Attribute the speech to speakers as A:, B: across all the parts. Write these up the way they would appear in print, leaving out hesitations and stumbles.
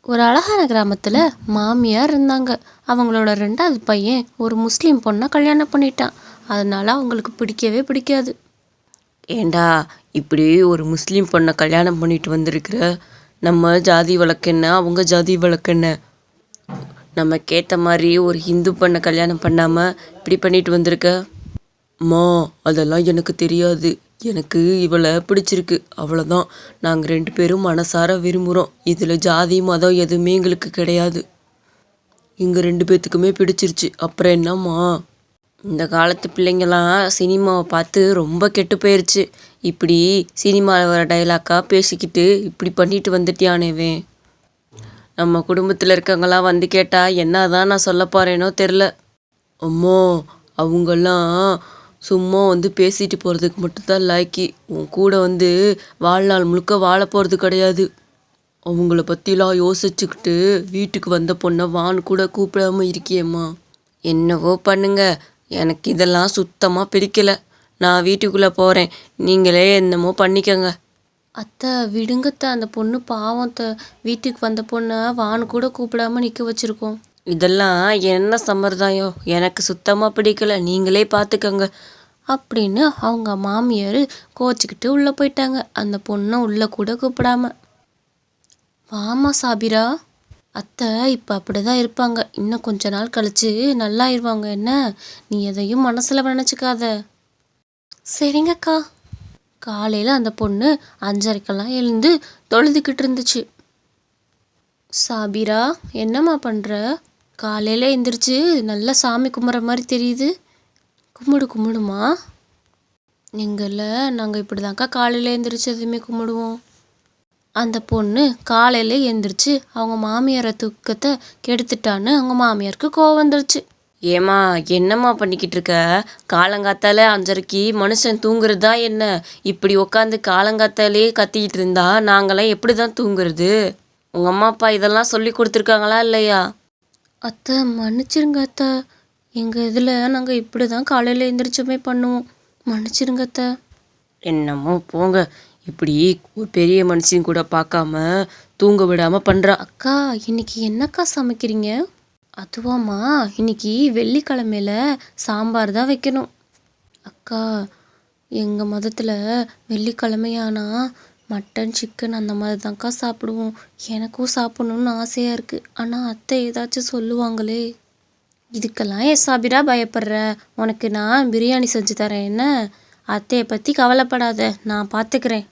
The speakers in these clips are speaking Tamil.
A: ஒரு அழகான கிராமத்தில் மாமியார் இருந்தாங்க. அவங்களோட ரெண்டாவது பையன் ஒரு முஸ்லீம் பொண்ணை கல்யாணம் பண்ணிட்டான். அதனால அவங்களுக்கு பிடிக்கவே பிடிக்காது.
B: ஏண்டா இப்படி ஒரு முஸ்லீம் பொண்ணை கல்யாணம் பண்ணிட்டு வந்திருக்கிற? நம்ம ஜாதி வழக்கென்ன, அவங்க ஜாதி வழக்கென்ன? நமக்கேற்ற மாதிரி ஒரு ஹிந்து பொண்ணை கல்யாணம் பண்ணாமல் இப்படி பண்ணிட்டு வந்திருக்க? அம்மா, அதெல்லாம் எனக்கு தெரியாது. எனக்கு இவளை பிடிச்சிருக்கு, அவ்வளோதான். நாங்கள் 2 பேரும் மனசார விரும்புகிறோம். இதில் ஜாதி மதம் எதுவுமே எங்களுக்கு கிடையாது. எங்கள் 2 பேர்த்துக்குமே பிடிச்சிருச்சு. அப்புறம் என்னம்மா? இந்த காலத்து பிள்ளைங்களாம் சினிமாவை பார்த்து ரொம்ப கெட்டு போயிடுச்சு. இப்படி சினிமாவில் வர டைலாக்காக பேசிக்கிட்டு இப்படி பண்ணிட்டு வந்துட்டியானேவே. நம்ம குடும்பத்தில் இருக்கவங்களாம் வந்து கேட்டால் என்ன தான் நான் சொல்ல போகிறேனோ தெரில. அம்மா, அவங்கெல்லாம் சும்மா வந்து பேசிட்டு போகிறதுக்கு மட்டும்தான் லாய்க்கி. உன் கூட வந்து வாழ்நாள் முழுக்க வாழ போகிறது கிடையாது. அவங்கள பற்றிலாம் யோசிச்சுக்கிட்டு வீட்டுக்கு வந்த பொண்ணை வான்னு கூட கூப்பிடாம இருக்கியேம்மா. என்னவோ பண்ணுங்க, எனக்கு இதெல்லாம் சுத்தமாக பிடிக்கலை. நான் வீட்டுக்குள்ளே போகிறேன். நீங்களே என்னமோ பண்ணிக்கங்க.
A: அத்தை விடுங்கத்த, அந்த பொண்ணு பாவத்தை. வீட்டுக்கு வந்த பொண்ணை வான்னு கூட கூப்பிடாம நிற்க வச்சுருக்கோம்.
B: இதெல்லாம் என்ன சம்பிரதாயம்? எனக்கு சுத்தமாக பிடிக்கல. நீங்களே பார்த்துக்கங்க
A: அப்படின்னு அவங்க மாமியார் கோச்சிக்கிட்டு உள்ளே போயிட்டாங்க, அந்த பொண்ணை உள்ளே கூட கூப்பிடாம. வாமா சாபிரா. அத்தை இப்போ அப்படி தான் இருப்பாங்க. இன்னும் கொஞ்ச நாள் கழிச்சு நல்லாயிருவாங்க. என்ன, நீ எதையும் மனசில் நினச்சிக்காத. சரிங்கக்கா. காலையில் அந்த பொண்ணு 5:30க்கெல்லாம் எழுந்து தொழுதுகிட்டு இருந்துச்சு. சாபிரா, என்னம்மா பண்ணுற? காலையில் எழுந்திரிச்சு நல்லா சாமி கும்பிட்ற மாதிரி தெரியுது. கும்பிடுமா. நீங்கள நாங்கள் இப்படி தான்க்கா காலையில் எழுந்திரிச்சு எதுவுமே கும்பிடுவோம். அந்த பொண்ணு காலையில் எழுந்திரிச்சு அவங்க மாமியாரை தூக்கத்தை கெடுத்துட்டான்னு அவங்க மாமியாருக்கு கோவம் வந்துருச்சு.
B: ஏம்மா, என்னம்மா பண்ணிக்கிட்டு இருக்க? காலங்காத்தால 5:30க்கு மனுஷன் தூங்குறது தான் என்ன? இப்படி உட்காந்து காலங்காத்தாலே கத்திக்கிட்டு இருந்தா நாங்களாம் எப்படி தான் தூங்குறது? உங்கள் அம்மா அப்பா இதெல்லாம் சொல்லி கொடுத்துருக்காங்களா இல்லையா?
A: அத்தை மன்னிச்சிருங்க அத்தை. எங்கள் இதில் நாங்கள் இப்படி தான் காலையில் எழுந்திரிச்சுமே பண்ணுவோம். மன்னிச்சிருங்க அத்தை.
B: என்னமோ போங்க. இப்படி ஒரு பெரிய மனுஷன் கூட பார்க்காம தூங்க விடாமல் பண்ணுறா.
A: அக்கா, இன்னைக்கு என்னக்கா சமைக்கிறீங்க? அதுவாம்மா, இன்னைக்கு வெள்ளிக்கிழமையில சாம்பார் தான் வைக்கணும். அக்கா, எங்கள் மதத்தில் வெள்ளிக்கிழமையானா மட்டன் சிக்கன் அந்த மாதிரி தான்க்கா சாப்பிடுவோம். எனக்கும் சாப்பிட்ணுன்னு ஆசையாக இருக்குது. ஆனால் அத்தை ஏதாச்சும் சொல்லுவாங்களே. இதுக்கெல்லாம் ஏன் சாபிரா பயப்படுற? உனக்கு நான் பிரியாணி செஞ்சு தரேன். என்ன, அத்தையை பற்றி கவலைப்படாத, நான் பார்த்துக்கிறேன்.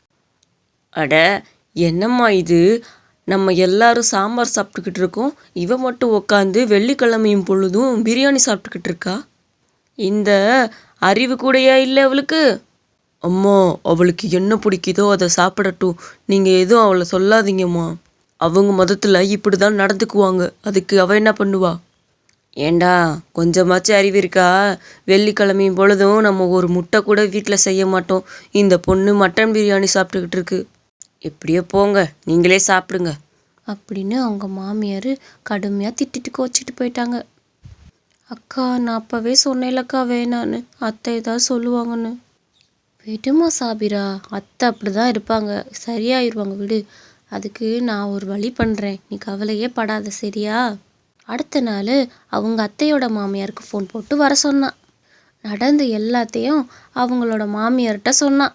B: அட, என்னம்மா இது? நம்ம எல்லாரும் சாம்பார் சாப்பிட்டுக்கிட்டு இருக்கோம். இவ மட்டும் உட்காந்து வெள்ளிக்கிழமையும் பொழுதும் பிரியாணி சாப்பிட்டுக்கிட்டு இருக்கா. இந்த அறிவு கூடயா இல்லை அவளுக்கு? அம்மா, அவளுக்கு என்ன பிடிக்குதோ அதை சாப்பிடட்டும். நீங்கள் எதுவும் அவளை சொல்லாதீங்கம்மா. அவங்க மதத்தில் இப்படி தான் நடந்துக்குவாங்க. அதுக்கு அவள் என்ன பண்ணுவா? ஏண்டா, கொஞ்சமாச்சும் அறிவு இருக்கா? வெள்ளிக்கிழமையும் பொழுதும் நம்ம ஒரு முட்டை கூட வீட்டில் செய்ய மாட்டோம். இந்த பொண்ணு மட்டன் பிரியாணி சாப்பிட்டுக்கிட்டு இருக்கு. எப்படியோ போங்க, நீங்களே சாப்பிடுங்க
A: அப்படின்னு அவங்க மாமியார் கடுமையாக திட்டிட்டு கோச்சிட்டு போயிட்டாங்க. அக்கா, நான் அப்போவே சொன்னேன்லக்கா வேணான்னு, அத்தை ஏதாவது சொல்லுவாங்கன்னு. விடுமா சாபிரா, அத்தை அப்படி தான் இருப்பாங்க, சரியாயிருவாங்க, விடு. அதுக்கு நான் ஒரு வழி பண்ணுறேன், நீ கவலையே படாத, சரியா? அடுத்த நாள் அவங்க அத்தையோட மாமியாருக்கு ஃபோன் போட்டு வர சொன்னான். நடந்த எல்லாத்தையும் அவங்களோட மாமியார்கிட்ட சொன்னான்.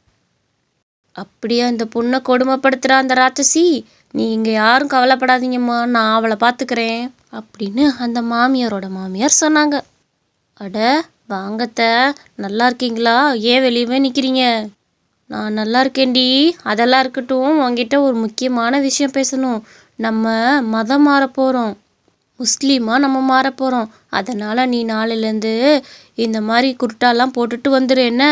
A: அப்படியா இந்த பொண்ணை கொடுமைப்படுத்துகிறா அந்த ராட்சசி? நீங்கள் யாரும் கவலைப்படாதீங்கம்மா, நான் அவளை பார்த்துக்கிறேன் அப்படின்னு அந்த மாமியாரோட மாமியார் சொன்னாங்க. அட வாங்கத்த, நல்லா இருக்கீங்களா? ஏன் வெளியவே நிற்கிறீங்க? நான் நல்லா இருக்கேன்டி. அதெல்லாம் இருக்கட்டும், உங்ககிட்ட ஒரு முக்கியமான விஷயம் பேசணும். நம்ம மதம் மாற போகிறோம், முஸ்லீமாக நம்ம மாற போகிறோம். அதனால் நீ நாளையிலேருந்து இந்த மாதிரி குர்ட்டாலாம் போட்டுட்டு வந்துடு. என்ன,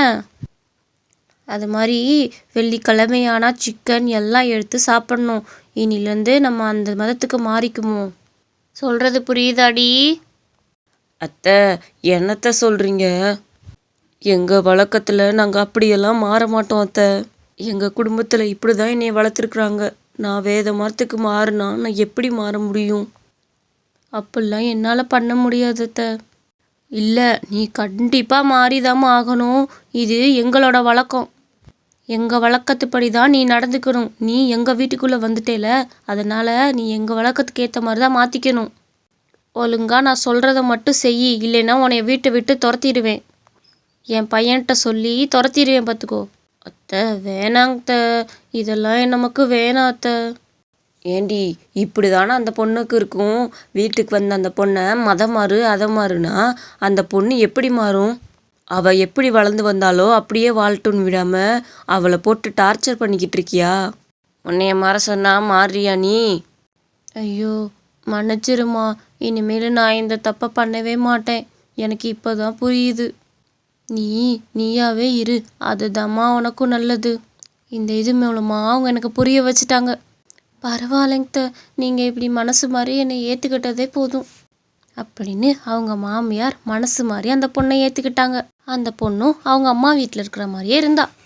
A: அது மாதிரி வெள்ளிக்கிழமையானா சிக்கன் எல்லாம் எடுத்து சாப்பிட்ணும். இனிலேருந்து நம்ம அந்த மதத்துக்கு மாறிக்குமோ? சொல்கிறது புரியுதாடி?
B: அத்தை, என்னத்த சொல்கிறீங்க? எங்கள் வழக்கத்தில் நாங்கள் அப்படியெல்லாம் மாற மாட்டோம் அத்தை. எங்கள் குடும்பத்தில் இப்படி தான் என்னை வளர்த்துருக்குறாங்க. நான் வேத மரத்துக்கு மாறினா நான் எப்படி மாற முடியும்?
A: அப்படிலாம் என்னால் பண்ண முடியாது அத்தை. இல்லை, நீ கண்டிப்பாக மாறிதாம்மா ஆகணும். இது எங்களோட வழக்கம். எங்கள் வழக்கத்துப்படி தான் நீ நடந்துக்கணும். நீ எங்கள் வீட்டுக்குள்ளே வந்துட்டேல, அதனால் நீ எங்கள் வழக்கத்துக்கு ஏற்ற மாதிரி தான் மாற்றிக்கணும். ஒழுங்கா நான் சொல்கிறத மட்டும் செய், இல்லைன்னா உன்னைய வீட்டை விட்டு துரத்திடுவேன். என் பையன்கிட்ட சொல்லி துரத்திடுவேன் பார்த்துக்கோ. அத்தை வேணாங்க, இதெல்லாம் நமக்கு வேணாம் அத்தை.
B: ஏண்டி இப்படி தானே அந்த பொண்ணுக்கு இருக்கும்? வீட்டுக்கு வந்த அந்த பொண்ணை மதம் மாறு அதை மாறுனா அந்த பொண்ணு எப்படி மாறும்? அவள் எப்படி வளர்ந்து வந்தாலோ அப்படியே வாழட்டும்னு விடாமல் அவளை போட்டு டார்ச்சர் பண்ணிக்கிட்டு இருக்கியா? உன்னைய மாற சொன்னா மாறுறியா நீ?
A: ஐயோ மன்னிச்சிருமா, இனிமேல் நான் இந்த தப்பை பண்ணவே மாட்டேன். எனக்கு இப்போ தான் புரியுது. நீயாவே இரு, அதுதாம்மா உனக்கும் நல்லது. இந்த இது மூலமாக அவங்க எனக்கு புரிய வச்சுட்டாங்க. பரவாயில்லைங்க, நீங்கள் இப்படி மனசு மாதிரி என்னை ஏற்றுக்கிட்டதே போதும் அப்படின்னு அவங்க மாமியார் மனசு மாதிரி அந்த பொண்ணை ஏற்றுக்கிட்டாங்க. அந்த பொண்ணும் அவங்க அம்மா வீட்டில் இருக்கிற மாதிரியே இருந்தா.